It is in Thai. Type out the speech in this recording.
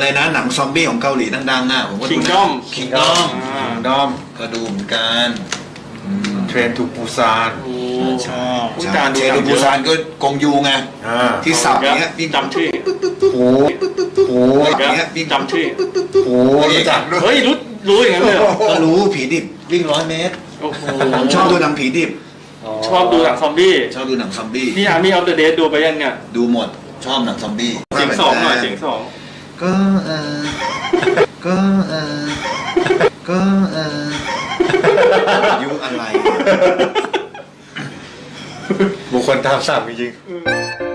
นะหนังซอมบี้ของเกาหลีดังๆน่ะผมก็ดู Kingdom คิงดอมดอมก็ดูเหมือนกันเทรนทูปูซานโอ้ใช่ผู้จานดูเชหนัดูงบูเยอะซานก็กงยูไง ที่สับเยเนี้ยวิ่งจำชื่อโอ้โหเนี้ยวิ่งจำชื่อโอ้โหรู้จักด้วยเฮ้ยรู้อย่างนั้นเลยเหรอก็รู้ผีดิบวิ่ง100 เมตรโอ้โหผมชอบดูหนังผีดิบชอบดูหนังซอมบี้ชอบดูหนังซอมบี้นี่ Army of the Dead ดูไปยังเนี่ยดูหมดชอบหนังซอมบี้เสียงสองหน่อยเสียงสองก็ก็ก็ยุอะไรบุคคลตามสั่งจริงๆ